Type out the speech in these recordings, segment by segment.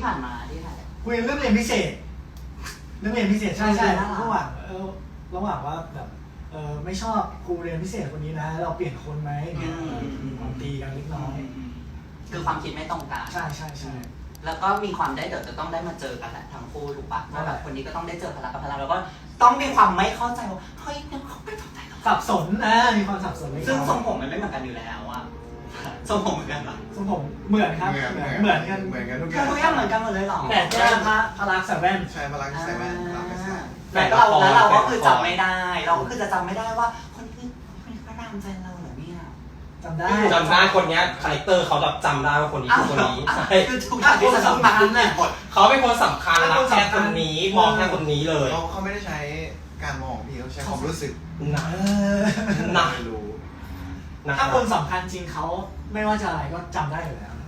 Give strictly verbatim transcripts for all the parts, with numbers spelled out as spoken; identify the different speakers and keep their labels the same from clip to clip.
Speaker 1: ผ่านมาที่ถ่าย
Speaker 2: คุยเรื่องเรียนพิเศษเรื่องเรียนพิเศษใช่ใช่ระหว่างเออระหว่างว่าแบบเออไม่ชอบครูเรียนพิเศษคนนี้นะเราเปลี่ยนคนไหมเนี่ยมีความตีกันเล็กน้อย
Speaker 1: คือความคิดไม่ตรงกัน
Speaker 2: ใช่ใช่ใช่
Speaker 1: แล้วก็มีความได้เดี๋ยวจะต้องได้มาเจอกันแหละทั้งคู่ถูกปะว่าแบบคนนี้ก็ต้องได้เจอพลังกับพลังแล้วก็ต้องมีความไม่เข้าใจว่าเฮ้ยเนี่ยเขาไม่เข้าใจ
Speaker 2: สับสนนะมีความสับสน
Speaker 1: ซึ่งทรงผมมันไม่เหมือนกันอยู่แล้วอะทรงผมเหมือนกันปะ
Speaker 2: ทรงผมเหมือนครับเหมือนกัน
Speaker 3: เหมือนกันทุกอ
Speaker 1: ย่างทุกอย่างเหมือนกันหมดเลยหรอ
Speaker 2: แต่แค่พระพลักใส่แว่น
Speaker 3: ใช่พลักใส่แว่นพลักไม่ใช่
Speaker 1: แล้วเราแล้วเราก็คือจำไม่ได้เราก็คือจะจำไม่ได้ว่าคนนี้คนนี้พระรามแฟนเราเหรอเนี่ย
Speaker 2: จำได้
Speaker 4: จำได้คนนี้คาแรคเตอร์เขาแบบจำได้ว่าคนนี้คือคนนี้ใช่
Speaker 1: คือทุกอย่างที่สำคัญน่ะ
Speaker 4: เขาเป็นคนสำคัญรักแค่คนนี้มองแค่คนนี้เลย
Speaker 3: เขาเขาไม่ได้ใช้การมองพี่เขาใช้ความรู้สึก
Speaker 4: นะนะ
Speaker 3: ไม่รู้
Speaker 2: ถ้าคนสำคัญจริงเขาไม่ว่าจะอะไรก็จำได้อยู่แล้ว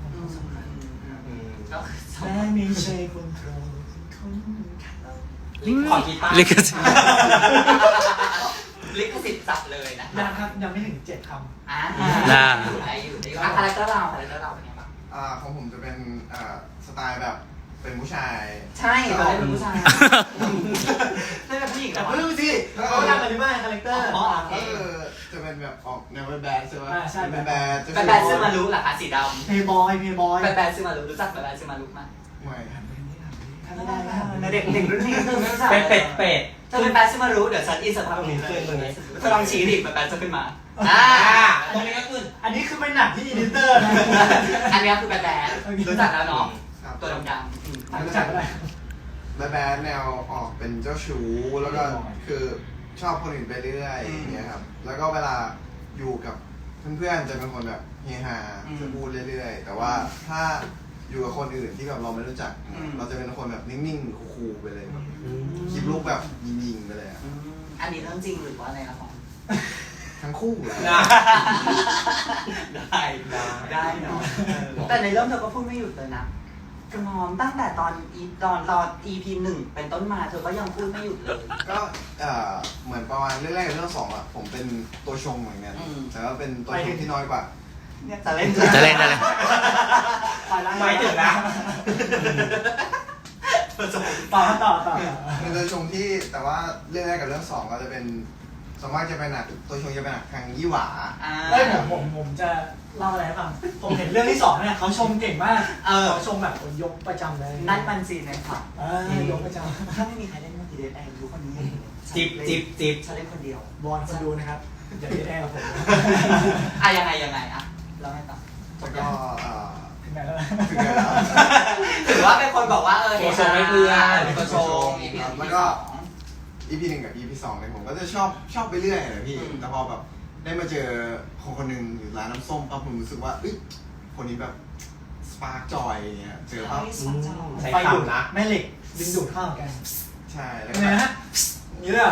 Speaker 2: แม่ไม่ใช่คนโปรดคน
Speaker 4: ขอกีตาร์
Speaker 1: ลิขสิทธิ์ลิขสิทธิ์จับเลยนะ
Speaker 2: ยังครับยังไม่ถึงเจ็ดคำ
Speaker 1: อ่าได้อยู่ได้อยู่ได้อยู่คาแรคเตอร์เราคาแรคเตอร์เราเป็นไงบ้าง
Speaker 3: อ่าของผมจะเป็นอ่าสไตล์แบบเป็นผู้ชาย
Speaker 1: ใช่เราได้เป็นผู้ชายได้เป็นผู้หญิง
Speaker 2: แต่เพิ่งสิเขาทำอะไรบ้างคาแรคเตอร์
Speaker 3: อ๋อเออจะเป็นแบบออกแนวแบดใช่ไหม
Speaker 2: ใช่
Speaker 3: เป็นแบด
Speaker 1: เป็นแบดซึ่งมารู้เหรอคะสีดำ
Speaker 2: เพย์บอยเพย์บอย
Speaker 1: เป็นแบดซึ่งมารู้รู้จักเป็นแบดซึ่งมารู้ไหม
Speaker 3: ไม่
Speaker 1: ไม่ได้แล้วเด็กเด็กรุ่นนี้คือไม่รู้จัก
Speaker 4: เป็ดเป็ดเป็ด
Speaker 1: ถ้าเป็นแบดซึ่งมารู้เดี๋ยวฉันอินสตาแกรมนี้เลยตรงนี้จะลองชี้ดิเป็นแบดจะขึ้นมา
Speaker 4: อ่าตรงนี้ก็ขึ้น
Speaker 2: อันนี้คือเป็นหนักที่อีดิเตอร์นะ
Speaker 1: อันนี้คือแบดแบดรู้จักแล้วเนาะตัวดำ
Speaker 2: ๆรู้จักอะไร
Speaker 3: แบดแบดแนวออกเป็นเจ้าชู้แล้วก็คือชอบคนอื่นไปเรื่อยอย่างเงี้ยครับแล้วก็เวลาอยู่กับเพื่อนๆจะเป็นคนแบบเฮฮาจะพูดเรื่อยๆแต่ว่าถ้าอยู่กับคนอื่นที่แบบเราไม่รู้จักเราจะเป็นคนแบบนิ่งๆคูลๆไปเลยคลิปลูกแบบยิงๆไปเลย
Speaker 1: อันนี้เรื่องจริงหรือว่าอะไรละของ
Speaker 3: ทั้งคู่
Speaker 1: ได้ได้เนาะแต่ในเรื่องเธอก็พูดไม่หยุดเลยนะกระมอมตั้งแต่ตอนอีตอนตอน อี พี หนึ่งเป็นต้นมาเธอก็ยังพูดไม่หยุดเลย
Speaker 3: ก็เหมือนประมาณเรื่องแรกกับเรื่องสองอ่ะผมเป็นตัวชงเหมือนกันแต่ว่าเป็นตัวชงที่น้อยกว่า
Speaker 1: จะเล่น
Speaker 5: จะเล่นอะไร
Speaker 4: ไม่ถึงนะ
Speaker 2: ต่อต่อต่อ
Speaker 3: เป็นตัวชงที่แต่ว่าเรื่องแรกกับเรื่องสองก็จะเป็นสมมติจะเป็นหนักตัวชงจะเป็นหนักทางยี่หว่า
Speaker 2: เอ้ยผมผมผมจะเล่าอะไรให้ฟังผมเห็นเรื่องที่สองเนี่ยเขาชมเก่งมากเขาชมแบบยกประจำเลย
Speaker 1: นั่นมันซีนค่ะ
Speaker 2: ยกประจำ
Speaker 1: ถ้าไม่มีใครเล่นมันจะเล่นแอร์ดูคนนี้
Speaker 4: จิบจิบจิบ
Speaker 1: ฉันเล่นคนเดียว
Speaker 2: บอลคนดูนะครับอย่าเล่นแอร์กับผม
Speaker 1: อ่ะยังไงยังไงอ่ะเราให้ต่อ
Speaker 3: แล้วก็
Speaker 2: ถึงไหนแล้ว
Speaker 3: ถึงไหนแล้ว
Speaker 1: ถือว่าเป็นคนบอกว่าเออ
Speaker 4: ตัวชงไม่เพื่อนตัวชง
Speaker 3: แล้วก็อีพีหนึ่งกับอีพีสองเนี่ยผมก็จะชอบชอบไปเรื่อยเลยพี่แต่พอแบบได้มาเจอคนคนหนึ่งอยู่ร้านน้ำส้มปั๊บผมรู้สึกว่าเอ้ยคนนี้แบบสปาร์กจอยเนี่ยเจอปั๊บ
Speaker 4: ไฟดูดนะ
Speaker 2: แม่เหล็กดึงดูดเข้ากัน
Speaker 3: ใช่แล้ว
Speaker 2: ไงฮะนี่เลยเหรอ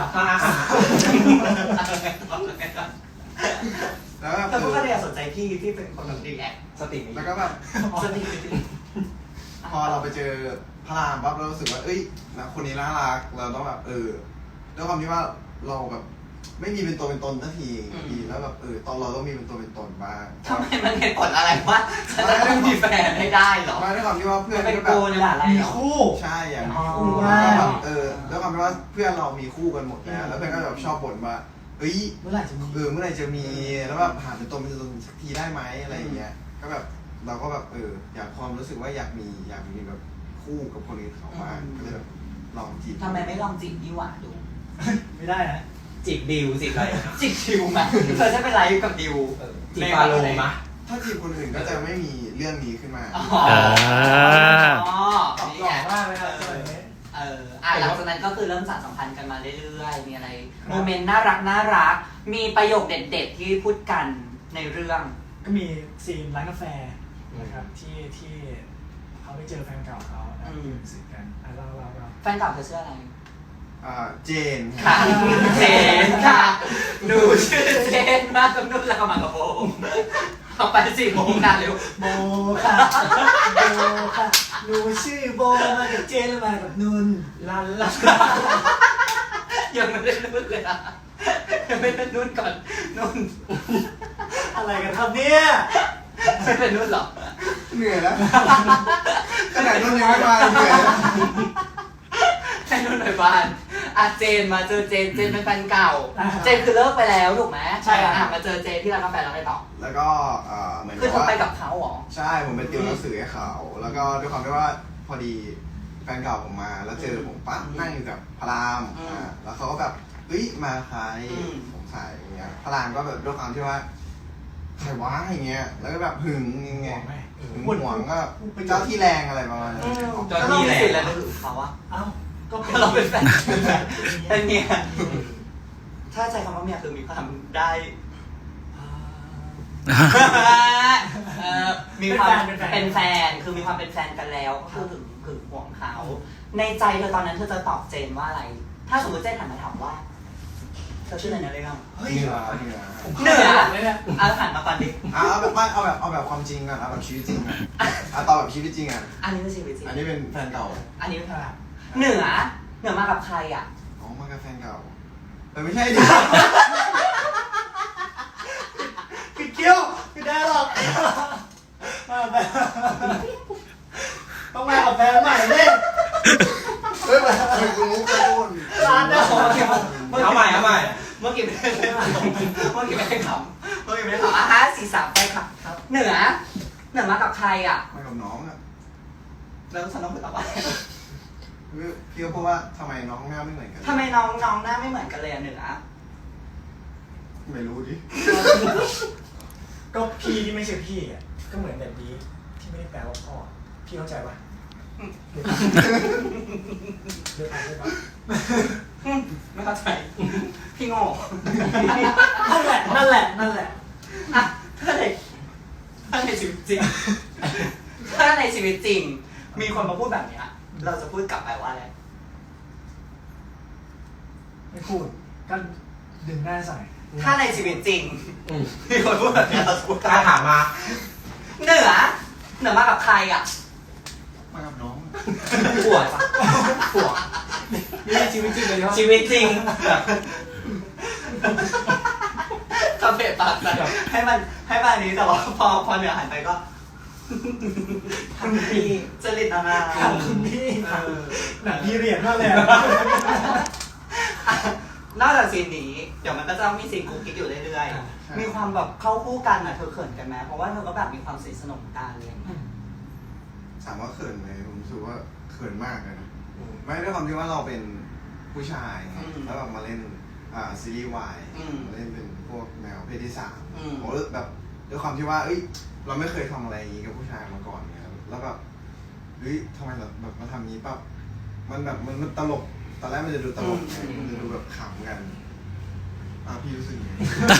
Speaker 3: แล้วก็
Speaker 1: แต่พวกเขาเนี่ยสนใจพี่ที่เป็นคนแบบดีแอค
Speaker 4: สติ
Speaker 3: แล้วก็แบบ
Speaker 1: สติ
Speaker 3: พอเราไปเจอพระรามปั๊บเรารู้สึกว่าเอ้ยนะคนนี้น่ารักเราต้องแบบเออด้วยความที่ว่าเราแบบไม่มีเป็นตัวเป็นตนสักทีแล้วแบบเออตอนเราต้องมีเป็นตัวเป็นตนบ้าง
Speaker 1: ทำไมมันเหตุผลอะไรวะฉันจะต้องมีแฟนไม่ได้หรอ
Speaker 3: ไม่ด้วยความที่ว่าเพื่อน
Speaker 1: เป็นกูนี่แหละ
Speaker 2: มีคู่
Speaker 3: ใช่อย่างมีคู่แล้วแบบเออด้วยความที่ว่าเพื่อนเรามีคู่กันหมดแล้วแล้วเพื่อนก็แบบชอบบ่นว่าเอ้ย
Speaker 2: เมื่อไหร่จะมี
Speaker 3: เออเมื่อไหร่จะมีแล้วแบบหาเป็นตัวเป็นตนสักทีได้ไหมอะไรอย่างเงี้ยก็แบบเราก็แบบเอออยากความรู้สึกว่าอยากมีอยากมีแบบคู่กับคนอื่นเขาบ้างก็เลยแบบลองจีบ
Speaker 1: ทำไมไม่ลองจีบดีหว่าดู
Speaker 2: ไม่ได้นะ
Speaker 4: จีบดิวจีบอะไร
Speaker 1: จีบดิวมาเธอจะเป็นไรกับดิว
Speaker 4: จีบฟาโลมา
Speaker 3: ถ้าจีบคนอื่นก็จะไม่มีเรื่องนี้ขึ้นมา
Speaker 1: อ๋อ
Speaker 2: หล่อมากเลยครับ
Speaker 1: เอออ่ะหลังจากนั้นก็คือเริ่มสานสัมพันธ์กันมาเรื่อยๆมีอะไรโมเมนต์น่ารักน่ารักมีประโยคเด็ดๆที่พูดกันในเรื่อง
Speaker 2: ก็มีซีนร้านกาแฟนะครับที่ที่เขาไปเจอแฟนเก่าเขาแล้วดื่มสิกันอ่ะเราเราเรา
Speaker 1: แฟนเก่าเธอชื่ออะไร
Speaker 3: อ่าเจน
Speaker 1: ค่ะเจนค่ะหนูชื่อเจนมากกับนุ่นแล้วก็มากับโบเอาไปสี่โมงกันเร็ว
Speaker 2: โบค่ะโบค่ะหนูชื่อโบมากับเจนแล้วมากับนุ่นลันลัน
Speaker 1: ยังไม่ได้นุ่นเลยอ่ะยังไม่ได้นุ่นก่อนนุ่น
Speaker 2: อะไรกันครับเนี่ย
Speaker 1: ไม่เป็นนุ่นหรอ
Speaker 3: เหนื่อยแล้วขนาดนุ่นยังไม่มาเหนื่อยแล้ว
Speaker 1: ให้นุ่นหน่อยบ้านอ่ะเจนมาเจอเจนเจนเป็นแฟนเก่า เจนคือเลิกไปแล้วถูกไหม
Speaker 2: ใช่ครับ
Speaker 1: อ่ะมาเจอเจนที่ร้านกาแฟแล้วไงต่อ
Speaker 3: แล้วก็เอ่อเหมือน
Speaker 1: คือ
Speaker 3: กับ
Speaker 1: เธอ
Speaker 3: ว่า
Speaker 1: ไปกับเขาเหรอ
Speaker 3: ใช่ผมไปติวหนังสือให้เขาแล้วก็ด้วยความที่ว่าพอดีแฟนเก่าผมมาแล้วเจอผมปั๊บนั่งอยู่กับพระราม
Speaker 1: อืม
Speaker 3: อ่าแล้วเขาก็แบบเฮ้ยมาใคร
Speaker 1: อืม
Speaker 3: ผมใส่อย่างเงี้ยพระรามก็แบบด้วยความที่ว่าใครวะอย่างเงี้ยแล้วก็แบบหึงยังไง
Speaker 2: ห่วงไหม
Speaker 3: หึงหวงก็เจ้าที่แรงอะไรประมาณนั้น
Speaker 4: เจ้า
Speaker 1: ก็
Speaker 4: ที่
Speaker 1: ต้อง
Speaker 4: แห
Speaker 1: มี
Speaker 4: ละ
Speaker 1: สิทธิ์อะไรมาถึงเขาอะ
Speaker 2: เอ้าก็เป็น
Speaker 1: เราเป็นแฟนเป็นแฟนเป็นเมียถ้าใช้คำว่าเมียคือมีความได้
Speaker 2: อ่า
Speaker 1: เอ่อมีความ
Speaker 2: เป็นแฟน
Speaker 1: เป็นแฟนคือมีความเป็นแฟนกันแล้วก็คือถึงถึงห่วงเขาในใจเธอตอนนั้นเธอจะตอบเจนว่าอะไร ถ้าสมมติเจนหันมาถามว่าเธอชื่ออะไรนะเรื่อง
Speaker 2: เฮ้ย
Speaker 3: เหนือเหนือ
Speaker 1: เหนือ
Speaker 2: เลยเนี่ย
Speaker 1: เอาหันมาก่อนดิ
Speaker 3: อ่ะเอาแบบไม่เอาแบบเอาแบบความจริงก่อนเอาแบบชีวิตจริงก่อนอ่ะตอนแบบชีวิตจริงอ่ะ
Speaker 1: อันนี้คือชีวิตจริง
Speaker 3: อันนี้เป็นแฟนเก่า
Speaker 1: อันนี้เป็นอะไรเหนือเหนือมากับใครอ่ะ
Speaker 3: อ๋อมากับแฟนเก่าแต่ไม่ใช่ดิ
Speaker 2: ปิดเกี้ยวไม่ได้หรอกมาแบบต้องมากับแฟนใหม่เลย
Speaker 3: เฮ้ยมันคือมุกกระตุ้น
Speaker 2: ร้านเดิม
Speaker 4: เอาใหม่เอาใหม่
Speaker 1: เมื่อกี้ไม่ได้เมื่อกี้ไม่ได้ขำเมื่อกี้ไม่ได้ขำอ่ะฮะสี่สามไปค่ะเหนือเหนือมากับใครอ่ะ
Speaker 3: มากับน้องอ่ะ
Speaker 1: แล้วฉันต้องไปตอบว่า
Speaker 3: พี่ก็พูดว่าทำไมน้องหน้าไม่เหมือนกัน
Speaker 1: ทำไมน้องน้องหน้าไม่เหมือนกันเลยอ่ะเหนือ
Speaker 3: ไม่รู้ดิ
Speaker 2: ก็พี่ที่ไม่ใช่พี่อ่ะก็เหมือนแบบนี้ที่ไม่ได้แปลว่าพ่อพี่เข้าใจปะเลือกอ่านเลือกอ่าน
Speaker 1: ไม่เข้าใจพี่โง่
Speaker 2: นั่นแหละนั่นแหละนั่นแหละ
Speaker 1: อะถ้าในถ้าในชีวิตจริง ถ้าในชีวิตจริง มีคนมาพูดแบบเนี้ยเราจะพูดกลับไปว่าอะไร
Speaker 2: ไม่พูดก็ดึงหน้าใส่
Speaker 1: ถ้าในชีวิตจริง
Speaker 4: อืม
Speaker 1: มีคนพูดแบบเนี้ยเราจะพูดกลับ
Speaker 4: ถ้าถามมา
Speaker 1: เหนือเหนือมากับใครอ่ะ
Speaker 3: มากับน้อง
Speaker 1: ปวดปะปวด
Speaker 2: นี่ชีวิตจริงเลยเนาะ
Speaker 4: ชีวิตจริงแบบ
Speaker 1: คาเฟ่ปากใส่ให้มันให้มันอันนี้แต่ว่าพอพอเหนือหันไปก็
Speaker 2: ทำพี่
Speaker 1: จริตนา
Speaker 2: ทำคุณพี่หนังพี่เรียนมากเลย
Speaker 1: นอกจากซีนนี้เดี๋ยวมันก็จะต้องมีซีนกุ๊กกิ๊กอยู่เรื่อยๆมีความแบบเข้าคู่กันอ่ะเธอเขินกันไหมเพราะว่าเธอก็แบบมีความสนิทสนมกันอะไรอย่างเงี้ย
Speaker 3: ถามว่าเขินไหมผมรู้สึกว่าเขินมากเลยนะไม่ด้วยความที่ว่าเราเป็นผู้ชายไงแล้วแบบมาเล่นอ่าซีรีส์วายมาเล่นเป็นพวกแนวเพศที่สามผมแบบด้วยความที่ว่าเอ้ยเราไม่เคยทำอะไรอย่างนี้กับผู้ชายมาก่อนไงแล้วแบบเฮ้ยทำไมเราแบบมาทำนี้ปั๊บมันแบบมันมันตลกตอนแรกมันจะดูตลกไงมันจะดูแบบขำกันอ่ะพี่รู้สึกยังไง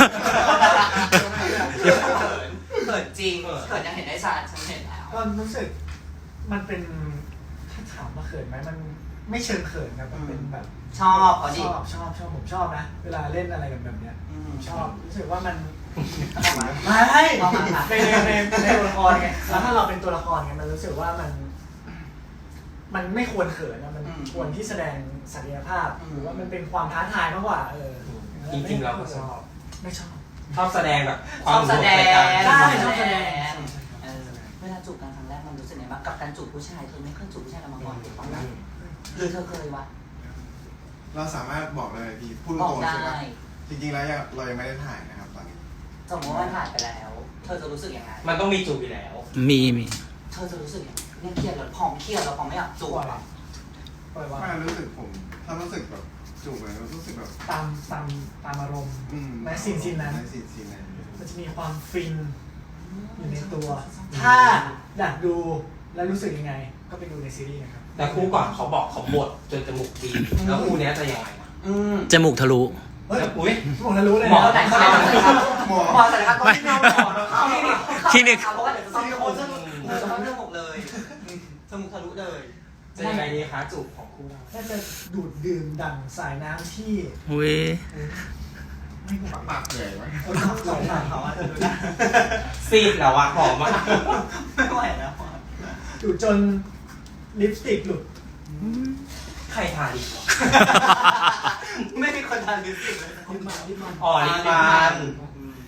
Speaker 1: เขินเขินจริงเขินยังเห็นได้ชัดฉันเห็นแล้ว
Speaker 2: ก็รู้สึกมันเป็นถ้าถามว่าเขินไหมมันไม่เชิงเขินครับมันเป็นแบบ
Speaker 1: ชอบเขา
Speaker 2: ช
Speaker 1: ดิ
Speaker 2: อบชอบชอบผมชอบนะเวลาเล่นอะไรกันแบบเนี้ย
Speaker 1: อืม
Speaker 2: ผมชอบรู้สึกว่ามัน
Speaker 1: เอามา
Speaker 2: ไม่
Speaker 1: เอามาค่ะ
Speaker 2: ในในในในตัวละครไงแล้วถ้าเราเป็นตัวละครไงมันรู้สึกว่ามัน มันไม่ควรเขินนะมันควรที่แสดงศักยภาพหรือว่ามันเป็นความท้าทายมากกว่าเออ
Speaker 4: จริงๆเราก็ชอบ
Speaker 2: ไม่ชอบ
Speaker 4: ชอบแสดงแบบค
Speaker 1: ช
Speaker 4: วาม
Speaker 1: อบแสดง
Speaker 2: ใช่ชอบแสดง
Speaker 1: เออเวลาจูบกันครั้งแรกมันรู้สึกไงบ้างกับการจูบผู้ชายเธอไม่เคยจูบผู้ชายกันมาก่อนถูกต้องไหมหรือเธอเคยวะ
Speaker 3: เราสามารถบอกเลยพี่พูด
Speaker 1: บอ
Speaker 3: ต
Speaker 1: ก
Speaker 3: รงๆ
Speaker 1: ได้
Speaker 3: ใช่ไหมจริงๆแล้วยังเรายังไม่ได้ถ่ายนะครับตอนนี้
Speaker 1: สมมติว่ามันผ่านไปแล้ว เธอจะรู้สึกยังไง
Speaker 4: มันต้องมีจูบอยู่แล้ว
Speaker 5: มีมี
Speaker 1: เธอจะรู้สึกยังไงเนี่ยเครียดแล้วพองเครียดแล้วพองไม่อยากจูบอะ
Speaker 2: ปล่อยว่า
Speaker 3: ไม่รู้สึกผมถ้ารู้สึกแบบจูบเลยรู้สึกแบบ
Speaker 2: ตามตามตามอารมณ์
Speaker 3: อืม
Speaker 2: และซีนซีนนั้น
Speaker 3: ในซีนซีนนั้น
Speaker 2: มันจะมีความฟินอยู่ในตัว ถ้าอยากดูและรู้สึกยังไง ก็ไปดูในซีรีส์นะครับ
Speaker 4: แต่คู่ก่อนเขาบอกเขาบดจนจมูกดีแล้วคู่เนี้ยจะยังไงนะ
Speaker 1: อืม
Speaker 5: จมูกทะลุ
Speaker 2: เฮ้ย
Speaker 4: แล้วอุ้ย
Speaker 2: ผมจะรู้เลย
Speaker 4: หมอ
Speaker 2: นะ
Speaker 1: ไหนคนไหนคนไหนครับ
Speaker 3: หมอ
Speaker 1: หมอศัลยกรรมต้องที่หมอคลินิก
Speaker 5: คลินิก
Speaker 1: เพราะว่าเดี๋ยวจะต้องจมูกจมูกจะต้องจมูกเลยจมูกทะลุเลย
Speaker 4: จะยังไงดีคะจูบของคู่เรา
Speaker 2: ถ้าจะดูดดื่มดั่งสายน้ำที่
Speaker 5: เว้ย
Speaker 2: ไม่หมด
Speaker 3: ปากเหนื่อยไหม
Speaker 2: เออขับไหลผ่าน
Speaker 1: เขาว่าจะดูได้
Speaker 4: ซีดแล้วอะหอมมาก
Speaker 1: ไม่ไหวแล้ว
Speaker 2: ดูดจนลิปสติกหลุด
Speaker 4: ใครทาลิปวะ
Speaker 1: ไม่มีคนทานลิปสติกเลย
Speaker 2: ลิปมันลิปมัน
Speaker 4: อ๋อลิปมัน
Speaker 2: ไม่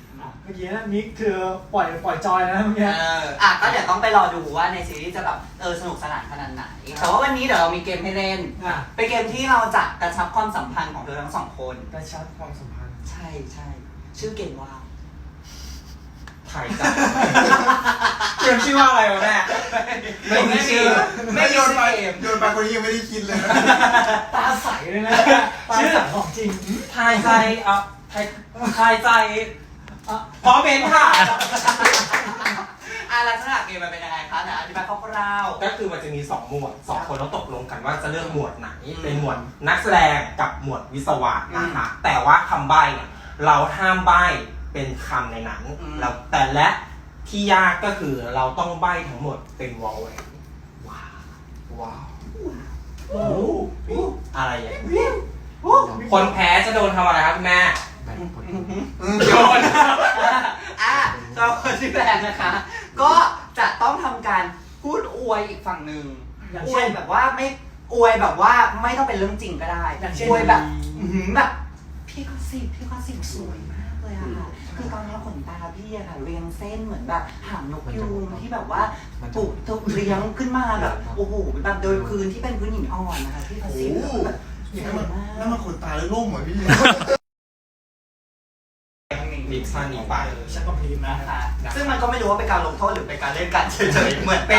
Speaker 2: มื่อกี้นะมิกคือปล่อยปล่อยจอยนะเมื่อกี้
Speaker 1: เอออ่ะก็เดี๋ยวต้องไปรอดูว่าในซีรีส์จะแบบเออสนุกสนานขนาดไหนแต่ว่าวันนี้เดี๋ยวเรามีเกมให้เล่น
Speaker 2: อ่ะ
Speaker 1: เป็นเกมที่เราจะกระชับความสัมพันธ์ของเธอทั้งสองคน
Speaker 2: กระชับความสัมพันธ์
Speaker 1: ใช่ใช่ชื่อเกมว่า
Speaker 4: ถ่ายใจเกมชื่อว่าอะไรวะแม่ไม่มีชื่อ
Speaker 1: ไม่มี
Speaker 3: โยน
Speaker 1: ชื่
Speaker 3: ไป
Speaker 1: อเกม
Speaker 3: โยนไปคนนี้ยังไม่ได้คิดเลย
Speaker 2: ตาใสเลยนะตาใสของจริง
Speaker 4: ทายใจเอ่ะทายทายใจเอ่ะพร้อมเป็นค่ะ
Speaker 1: อ่ะลักษณะเกมมันเป็นยังไงคะนะอธิบายคร่าว
Speaker 4: ก็คือมันจะมีสองหมวดสองคนต้องตกลงกันว่าจะเลือกหมวดไหน
Speaker 1: อืม
Speaker 4: เป็นหมวดนักแสดงกับหมวดวิศวะนะคะแต่ว่าคำใบ้เนี่ยเราห้ามใบ้เป็นคำในนั้นแล้วแต่และที่ยากก็คือเราต้องใบ้ทั้งหมดเป็นวอลเวน
Speaker 3: ว้าว
Speaker 2: โอ้โห
Speaker 4: อะไรอย่างนี้
Speaker 1: ๆอู้
Speaker 4: คนแพ้จะโดนทำอะไรครับคุณแม่ โยน
Speaker 1: อ่ะสำหรับคนที่แพ้นะคะ ก็จะต้องทำการพูดอวยอีกฝั่งหนึ่ง
Speaker 2: อย่าง
Speaker 1: อว
Speaker 2: เช่
Speaker 1: ย
Speaker 2: น
Speaker 1: แบบว่าไม่อวยแบบว่าไม่ต้องเป็นเรื่องจริงก็ได้
Speaker 2: อย่างเช่น
Speaker 1: อวยแบบอื้อหือแบบพี่ก็สิพี่ก็สิสวยมากเลยอะค่ะคือตอนนี้ขนตาพี่อะค่ะเรียงเส้นเหมือนแบบหางนกยูงที่แบบว่าปลูกถูกเลี้ยงขึ้นมาแบบโอ้โหแบบโดยพื้นที่เป็นพื้นหินอ่อนนะคะพี่ก็
Speaker 3: โอ้
Speaker 1: สิ
Speaker 3: โห
Speaker 1: แบบส
Speaker 3: นี่
Speaker 1: วย
Speaker 3: ถ้ามัน
Speaker 1: มาก
Speaker 3: ถ้ามันขนตาแล้วล่มเหรอพี่
Speaker 4: ลิปซ่านี้ไป
Speaker 2: ชักกระพริบนะ
Speaker 1: นะคะซึ่งมันก็ไม่รู้ว่าเป็นการลงโทษหรือเป็นการเล่นกันเฉยๆเหมือนเป็น